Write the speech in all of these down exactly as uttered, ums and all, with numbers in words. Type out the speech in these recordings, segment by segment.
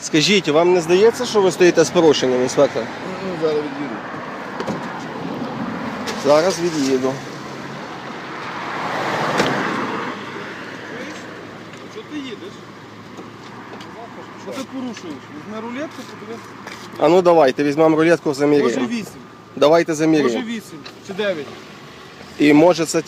Скажіть, вам не здається, що ви стоїте з порушенням, інспектор? Ну, зараз від'їду. Зараз від'їду. Що ти їдеш? Що ти порушуєш? Візьми рулетку, подивись. А ну давайте, візьмемо рулетку, Може заміряємо. вісім, Давайте може заміряємо. вісім чи дев'ять. І може це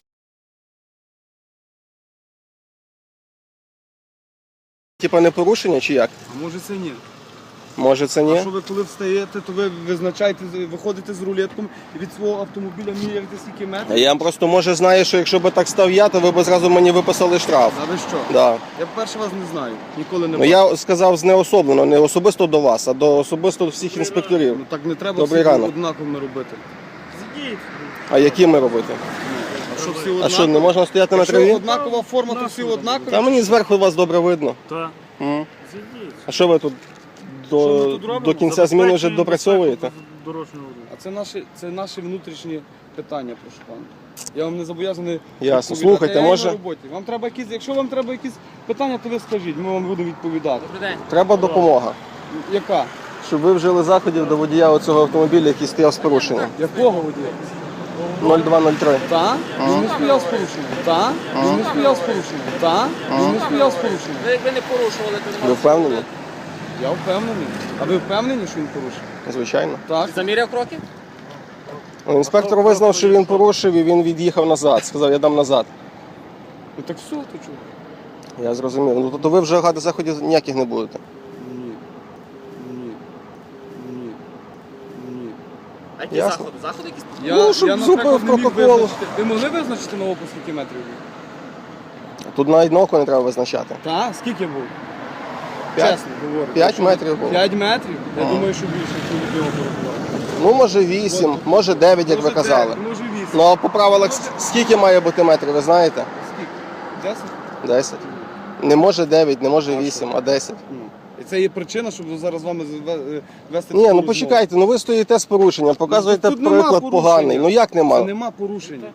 типа не порушення чи як? А може це ні. Може це А ні? що ви коли встаєте, то ви визначаєте, виходите з рулетком і від свого автомобіля міряєте скільки метрів? Я просто може знаю, що якщо б так став я, то ви б зразу мені виписали штраф. А ви що? Да. Я перший вас не знаю, ніколи не Ну бачив. я сказав знеособлено, не особисто до вас, а до особисто всіх інспекторів. Ну так не треба Добрий всі ранок. однаковими робити. А які ми робити? А що всі А однакові? що, не можна стояти на Якщо траві? однакова форма, то всі однакові? Та мені зверху вас добре видно. Так. М. Зійдіть. А що ви тут Що ми до, тут робимо? до кінця зміни вже допрацьовуєте? Дорожнього руху. А це наші, це наші внутрішні питання, прошу пана. Я вам не зобов'язаний Ясно. відповідати. Слухайте, Я на може- роботі. Вам треба якісь, якщо вам треба якісь питання, то ви скажіть, ми вам будемо відповідати. Треба допомога, Яка? щоб ви вжили заходів до водія оцього автомобіля, який стояв з порушенням. Якого водія? нуль два нуль три. Та? Він не стояв з порушенням. Та? Він не стояв з порушенням. Та? Він не стояв з порушенням. Ви якби не порушували, то не Ви впевнені? Я впевнений. А ви впевнені, що він порушив? Звичайно. Так. заміряв кроки? Ну, інспектор визнав, що він порушив і він від'їхав назад. Сказав, я дам назад. Ну так все, то чого? Я зрозумів. Ну то ви вже гати заходів ніяких не будете. Ні. Ні. Ні. Ні. А які Ясно. заходи? Заходи якісь? Я, Ну, щоб я, зупинив наприклад, не міг протокол. визначити. Ви могли визначити на око, скільки метрів був? Тут навіть на око не треба визначати. Так? Скільки був? П'ять. Чесно говорю. П'ять метрів було. П'ять метрів? Я Ага. думаю, що більше, якщо від нього порахувати. Ну, може вісім, може дев'ять, як ви Може, казали. дев'ять, може вісім. Ну а по правилах с- скільки має бути метрів, ви знаєте? Скільки? Десять? Десять. Не може дев'ять, не може вісім, а десять. Ну. І це є причина, щоб зараз з вами зве- вести Ні, таку ну розмову. почекайте, ну ви стоїте з порушенням, показуєте Тут нема приклад порушення. поганий. Ну як Це нема? нема порушення.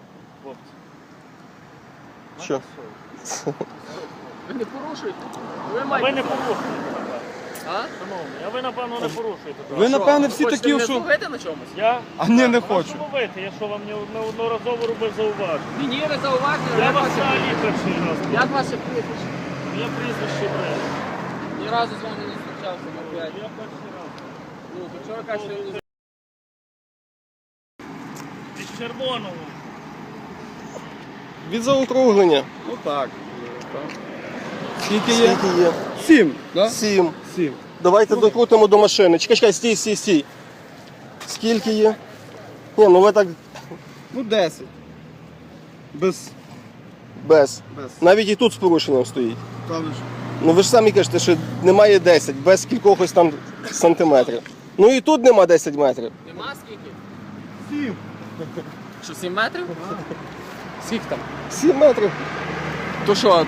Що? Ви не порушуєте? Ви А ви маєте. не порушуєте. А? Шановний, а ви, напевно, не порушуєте. так? Ви, напевне, всі Хочете такі, мене що... зловити на чомусь? Я? А ні, не Вас хочу. ловити, я що вам не неодноразово робив зауваження. Мені ви зауважили, Я як вас ваше взагалі перший раз. як ваше прізвище? Я прізвище бред. Ні разу з вами не зустрічався на п'ять. Я перший раз. Ну, то чого кажете, що ви Від червоного. Від заокруглення. Ну так. Скільки є? Скільки є? Сім. Да? Сім. Сім. Давайте докрутимо до машини. Чекай, чекай, стій, стій, стій. Скільки є? Ні, ну ви так Ну, десять. Без... без. Без. Навіть і тут з порушенням стоїть. Та ви ж. Ну ви ж самі кажете, що немає десять, без кількохось там сантиметрів. Ну і тут нема десять метрів. нема скільки? Сім. Що, сім метрів? Скільки там? сім метрів. То що?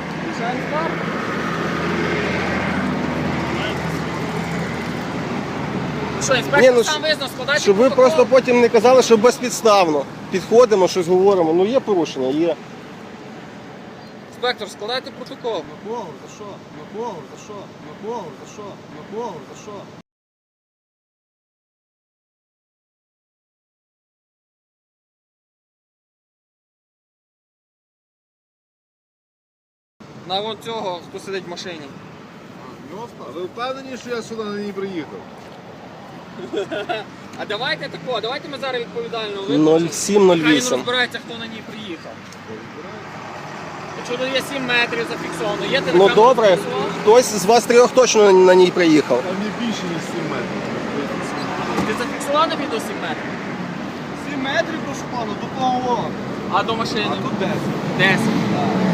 Що, інспектор Ні, ну, сам визнав, складайте Щоб ви протокол. просто потім не казали, що безпідставно. Підходимо, щось говоримо. Ну є порушення, є. Інспектор, складайте протокол. Микола, за що? Микола, за що? Микола, за що? Микола, за що? На вон цього, хто сидить в машині. А ви впевнені, що я сюди на ній приїхав? А давайте тако, давайте ми зараз відповідально нуль сім нуль Хай він вісім. розбирається, хто на ній приїхав. Якщо тут є сім метрів зафіксовано, є ти Ну добре, хтось з вас трьох точно на ній приїхав. Там не більше, ніж сім метрів. Ти зафіксував на відео сім метрів? Сім метрів, прошу пана, до того. А до машини? А тут десять. десять.